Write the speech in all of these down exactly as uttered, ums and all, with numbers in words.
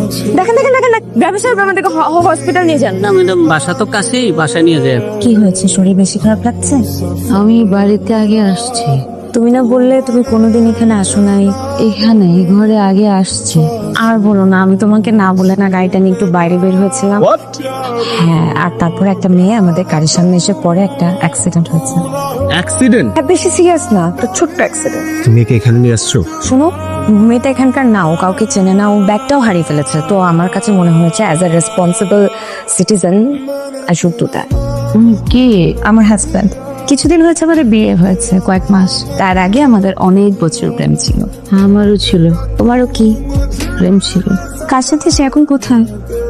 দেখেন দেখেন দেখেন ব্যবসার আমাদেরকে হসপিটাল নিয়ে যান। না ম্যাডাম, বাসা তো কাছেই, বাসা নিয়ে যায়। কি হয়েছে, শরীর বেশি খারাপ লাগছে? আমি বাড়িতে আগে আসছি। তুমি না বললে তুমি কোনোদিন এখানে আসো নাই? এখানে এই ঘরে আগে আসছি। আর বলো না, আমি তোমাকে না বলে না গাড়িটা নিয়ে একটু বাইরে বের হয়েছিলাম। হ্যাঁ, আর তারপর একটা মেয়ে আমাদের গাড়ির সামনে এসে পড়ে, একটা অ্যাক্সিডেন্ট হয়েছে। অ্যাক্সিডেন্ট? হ্যাঁ, বেশি সিরিয়াস না, তো ছোট্ট অ্যাক্সিডেন্ট। তুমি কি এখানে নিয়ে আসছো? শোনো, মেয়েটা এখানকার না, ও কাউকে চেনে না, ও ব্যাগটাও হারিয়ে ফেলেছে। তো আমার কাছে মনে হয়েছে as a responsible citizen I should do that. তুমি কে? আমার হাজব্যান্ড। কিছুদিন হয়েছে আমাদের বিয়ে হয়েছে, কয়েক মাস। তার আগে আমাদের অনেক বছর প্রেম ছিল। আমারও ছিল। তোমারও কি প্রেম ছিল? কার সাথে? সে এখন কোথায়?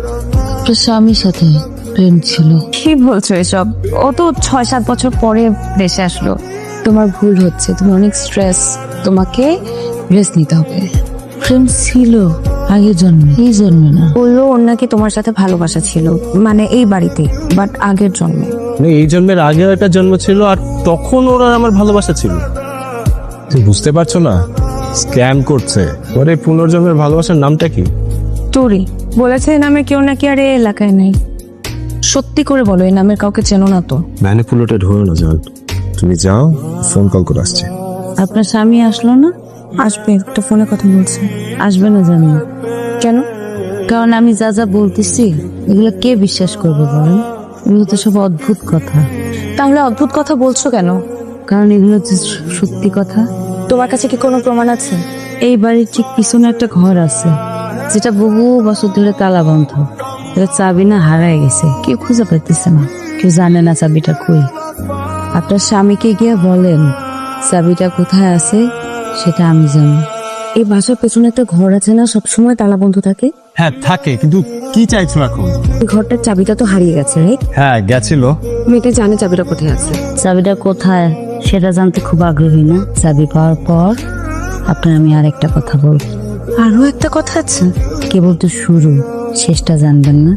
তো স্বামীর সাথে প্রেম ছিল। কি বলছো এসব? ও তো ছয় সাত বছর পরে দেশে আসলো। তোমার ভুল হচ্ছে, তুমি অনেক স্ট্রেস, তোমাকে রেস্ট নিতে হবে। প্রেম ছিল আগের জন্মে, এই জন্মে না। বললো ওর নাকি তোমার সাথে ভালোবাসা ছিল, মানে এই বাড়িতে, বাট আগের জন্মে। মানে এই জন্মের আগেও একটা জন্ম ছিল, আর তখন ওর আর আমার ভালোবাসা ছিল। তুমি বুঝতে পারছো না? স্ক্যাম করছে। ওর এই পুনর্জন্মের ভালোবাসার নামটা কি? তোরি বলেছে এই নামে কেউ নাকি আর এই এলাকায় নেই। সত্যি করে বলো, এই নামের কাউকে চেনো না তো? ম্যানিপুলেটেড হয়ে না যাও, তুমি যাও, ফোন কল করে আসছে। আপনার স্বামী আসলো না? আসবে, একটা ফোনে কথা বলছে। আসবে না জানি। কেন? কারণ আমি যা যা বলতেছি এগুলো কে বিশ্বাস করবে বলেন? এগুলো তো সব অদ্ভুত কথা। তাহলে অদ্ভুত কথা বলছো কেন? কারণ এগুলো হচ্ছে সত্যি কথা। তোমার কাছে কি কোনো প্রমাণ আছে? এই বাড়ির ঠিক পিছনে একটা ঘর আছে, যেটা বহু বছর ধরে তালা বন্ধ। এটা চাবি না হারায় গেছে, কেউ খুঁজে পাইতেছে না, কেউ জানে না চাবিটা কই। আপনার স্বামীকে গিয়ে বলেন চাবিটা কোথায় আছে সেটা আমি জানি। এই বাসার পেছনে একটা ঘর আছে না, সবসময় তালা বন্ধ থাকে? হ্যাঁ থাকে, কিন্তু কি চাইছো এখন? এই ঘরটার চাবিটা তো হারিয়ে গেছে, রাইট? হ্যাঁ গেছিল। মেয়েটা জানে চাবিটা কোথায় আছে। চাবিটা কোথায় সেটা জানতে খুব আগ্রহী না? চাবি পাওয়ার পর আপনার আমি আর একটা কথা বলবো। আরো একটা কথা আছে? কেবল তো শুরু, শেষটা জানবেন না।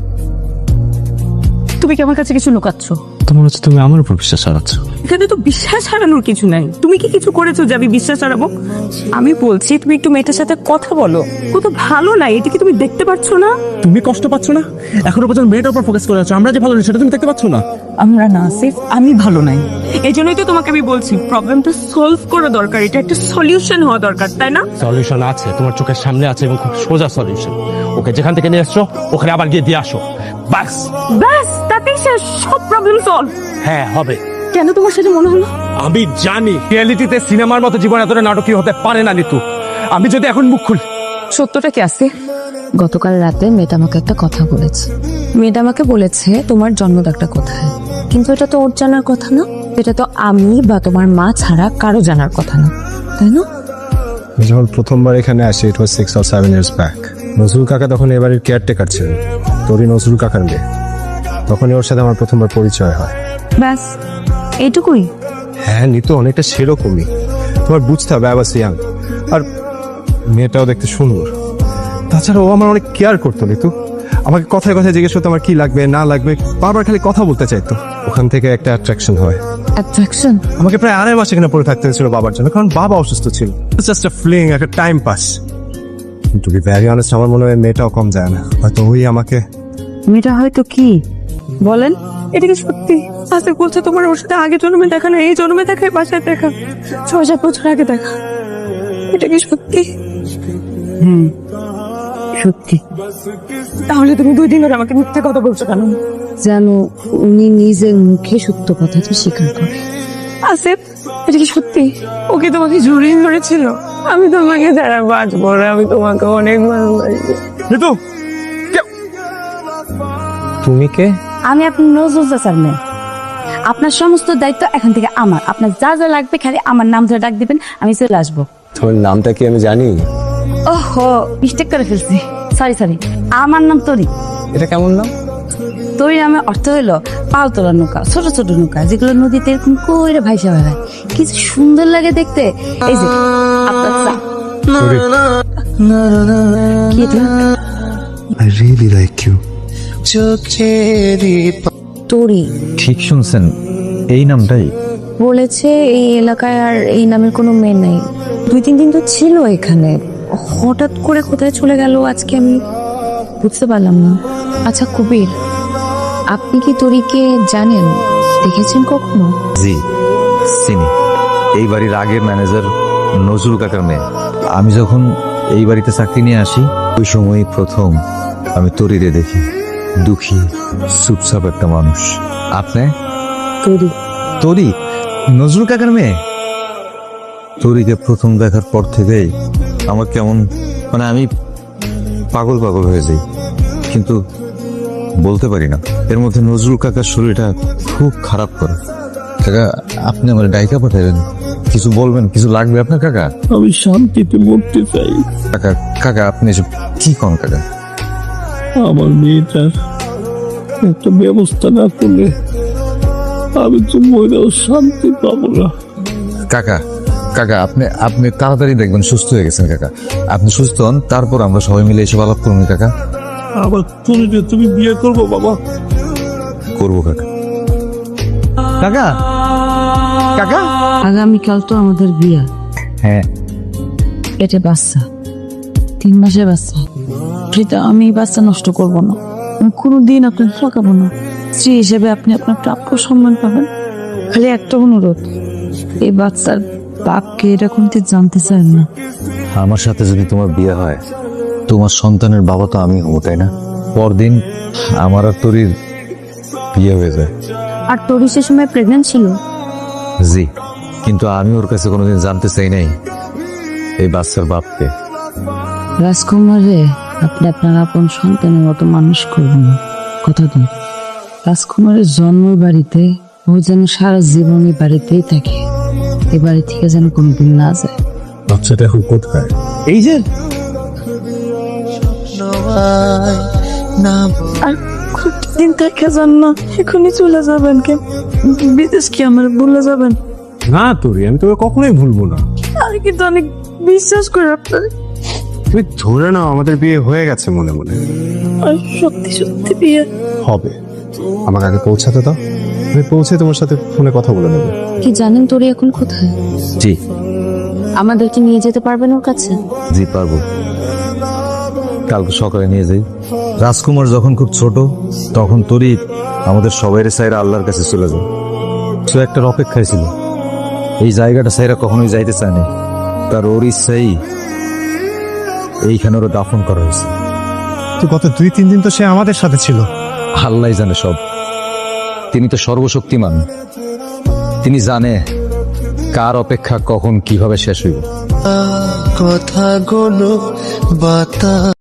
তুমি কি আমার কাছে কিছু লুকাচ্ছ? তো মনে হচ্ছে তুমি আমার উপর বিশ্বাস হারাচ্ছ। এখানে তো বিশ্বাস হারানোর কিছু নাই। তুমি কি কিছু করেছো যে আমি বিশ্বাস হারাবো? আমি বলছি তুমি একটু মেয়েটার সাথে কথা বলো। কত ভালো নাই, এটা কি তুমি দেখতে পাচ্ছ না? তুমি কষ্ট পাচ্ছ না? এখনো পর্যন্ত মেয়েটার উপর ফোকাস করে আছো, আমরা যে ভালো নেই সেটা তুমি দেখতে পাচ্ছ না? আমরা না, সিফ আমি ভালো নাই। এই জন্যই তো তোমাকে আমি বলছি প্রবলেমটা সলভ করা দরকার, এটা একটা সলিউশন হওয়া দরকার, তাই না? সলিউশন আছে, তোমার চোখের সামনে আছে, এবং খুব সোজা সলিউশন। ওকে যেখান থেকে নিয়ে আসছো ওখানে আবার গিয়ে দিয়ে আসো, বাস। ব্যাস, তাতেই শেষ, সব প্রবলেম সলভ। হ্যাঁ হবে। কেন তোমার সাথে মনে হলো? আমি জানি রিয়েলিটিতে সিনেমার মতো জীবন এতটা নাটকীয় হতে পারে না নিতু। আমি যদি এখন মুখ খুলি। সত্যটা কি আছে? গতকাল রাতে মেয়েটা আমাকে একটা কথা বলেছে। মেয়েটা আমাকে বলেছে তোমার জন্মদাগটা কোথায়, কিন্তু এটা তো ওর জানার কথা না। এটা তো আমি বা তোমার মা ছাড়া কারো জানার কথা না, তাই না? যখন প্রথমবার এখানে আসি, it was six or seven years back. Nazrul কাকা তখন এবারের কেয়ারটেকার ছিলেন, তোরই নজরুল কাকার মেয়ে। তখনই ওর সাথে আমার প্রথমবার পরিচয় হয়। ব্যাস এইটুকুই? হ্যাঁ নিতু, অনেকটা সেরকমই। তোমার বুঝতে হবে আই ওয়াজ ইয়াং, আর মেয়েটাও দেখতে সুন্দর। তাছাড়া ও আমার অনেক কেয়ার করতো নিতু। আমাকে কথায় কথায় জিজ্ঞেস করতো আমার কি লাগবে না লাগবে, বারবার খালি কথা বলতে চাইতো। ওখান থেকে একটা অ্যাট্রাকশন হয়। অ্যাট্রাকশন? আমাকে প্রায় আড়াই মাস এখানে পড়ে থাকতে হয়েছিল বাবার জন্য, কারণ বাবা অসুস্থ ছিল। জাস্ট আ ফ্লিং, একটা time pass. To be very honest, আমার মনে হয় মেয়েটাও কম যায় না। হয়তো ওই আমাকে। মেয়েটা হয়তো কি বলেন? এটা কি সত্যি? আসিফ বলছে তোমার ওর সাথে আগে জন্মে দেখা না, এই জন্মে দেখা, এই বাসায় দেখা, ছয় সাত বছর আগে দেখা। এটা কি সত্যি? হুম সত্যি। তাহলে তুমি দুই দিন ধরে আমাকে মিথ্যা কথা বলছো কেন? যেন উনি নিজের মুখে সত্য কথাটা স্বীকার করে। আসিফ, এটা কি সত্যি? ওকে তোমাকে জড়িয়ে ধরেছিল? আমি তোমাকে যারা বাঁচবো না, আমি তোমাকে অনেক ভালোবাসি। নিতু, তুমি কে? আমি আপনার নজরুল চাচার মেয়ে। আপনার সমস্ত দায়িত্ব এখন থেকে আমার। আপনার যা যা লাগবে খালি আমার নাম ধরে ডাক দিবেন, আমি চলে আসবো। তোমার নামটা কি আমি জানি? ওহো, মিস্টেক করে ফেলছি, সরি সরি। আমার নাম তরি। এটা কেমন নাম? তরি নামে অর্থ হইলো পাল তোলা নৌকা, ছোট ছোট নৌকা যেগুলো নদীতে এরকম কইরে ভাইসা বেড়ায়, কিছু সুন্দর লাগে দেখতে। এই যে আপনার চা। কি এটা? I really like you. তোরি ঠিক শুনছেন, এই নামটাই বলেছে এই এলাকায় আর এই নামের কোনো মেয়ে নেই। দুই তিন দিন তো ছিল এখানে, হঠাৎ করে কোথায় চলে গেল আজকে আমি বুঝতে পারলাম না। আচ্ছা কবির, আপনি কি তরিকে জানেন, দেখেছেন কখনো? জি চিনি, এই বাড়ির আগের ম্যানেজার নজরুল কাকার মেয়ে। আমি যখন এই বাড়িতে চাকরি নিয়ে আসি ওই সময়ই প্রথম আমি তরিরে দেখি। দুঃখী চুপচাপ একটা মানুষ। আপনি? তরি তরি নজরুল কাকার মেয়ে? তরিকে প্রথম দেখার পর থেকেই আমার কেমন মানে আমি পাগল পাগল হয়ে যাই, কিন্তু বলতে পারি না। এর মধ্যে নজরুল কাকার শরীরটা খুব খারাপ করে। কাকা আপনি আমার ডাইকা পাঠাবেন, কিছু বলবেন, কিছু লাগবে আপনার কাকা? আমি শান্তিতে মরতে চাই। কাকা কাকা আপনি এসব কি কন কাকা? আমার মেয়েটার একটা ব্যবস্থা না করলে আমি তো মরেও শান্তি পাবো না। কাকা কাকা আপনি আপনি তাড়াতাড়ি দেখবেন সুস্থ হয়ে গেছেন কাকা। আপনি সুস্থ হন, তারপর আমরা সবাই মিলে এসব আলাপ করুন কাকা। আবার তুমি যে তুমি বিয়ে করবো বাবা? করবো কাকা। কাকা কাকা আগামীকাল তো আমাদের বিয়া, হ্যাঁ পেটে বাচ্চা, তিন মাসের বাচ্চা। প্রীতা, আমি এই বাচ্চা নষ্ট করব না, আমি কোনোদিন আপনাকে ঠকাবো না। স্ত্রী হিসেবে আপনি আপনার প্রাপ্য সম্মান পাবেন। খালি একটা অনুরোধ, এই বাচ্চার বাপকে এরকম জানতে চান না। আমার সাথে যদি তোমার বিয়ে হয়, তোমার সন্তানের বাবা তো আমি হবো, তাই না? পরদিন আমার আর তরির বিয়ে হয়ে যায়। আর তোরই সে সময় প্রেগনেন্ট ছিল? জি, কিন্তু আমি ওর কাছে কোনোদিন জানতে চাই নাই এই বাচ্চার বাপকে। রাজকুমারে আপনি আপনার আপন সন্তানের মতো মানুষ করবেন, কথা দিন। রাজকুমারের জন্ম বাড়িতে, ও যেন সারা জীবন এই বাড়িতেই থাকে, এ বাড়ি থেকে যেন কোনোদিন না যায়। বাচ্চাটা এখন কোথায়? এই যে আর দিন থেকে যান না, এখনই চলে যাবেন কেন? বিদেশ কি আমার ভুলে যাবেন? না তোরি, আমি তোকে কখনোই ভুলবো না। আমি কিন্তু অনেক বিশ্বাস করি আপনার, তুমি ধরে নাও আমাদের বিয়ে হয়ে গেছে মনে মনে। আর সত্যি সত্যি বিয়ে হবে, আমাকে আগে পৌঁছাতে দাও, আমি পৌঁছে তোমার সাথে ফোনে কথা বলে নেবো। কি জানেন তোরে এখন কোথায়? জি আমাদেরকে নিয়ে যেতে পারবেন ওর কাছে? জি পারবো, কালকে সকালে নিয়ে যাই। রাজকুমার যখন খুব ছোট তখন তরি আমাদের সবাই সাইরা আল্লাহর কাছে চলে যায়। সে একটা অপেক্ষায় ছিল, এই জায়গাটা সাইরা কখনোই যাইতে চায়নি। তার ওর ইচ্ছাই এইখানে ওরা দাফন করা হয়েছে। তো গত দুই তিন দিন তো সে আমাদের সাথে ছিল। আল্লাহ জানে সব, তিনি তো সর্বশক্তিমান, তিনি জানে কার অপেক্ষা কখন কিভাবে শেষ হইব। কথাগুলো বাতা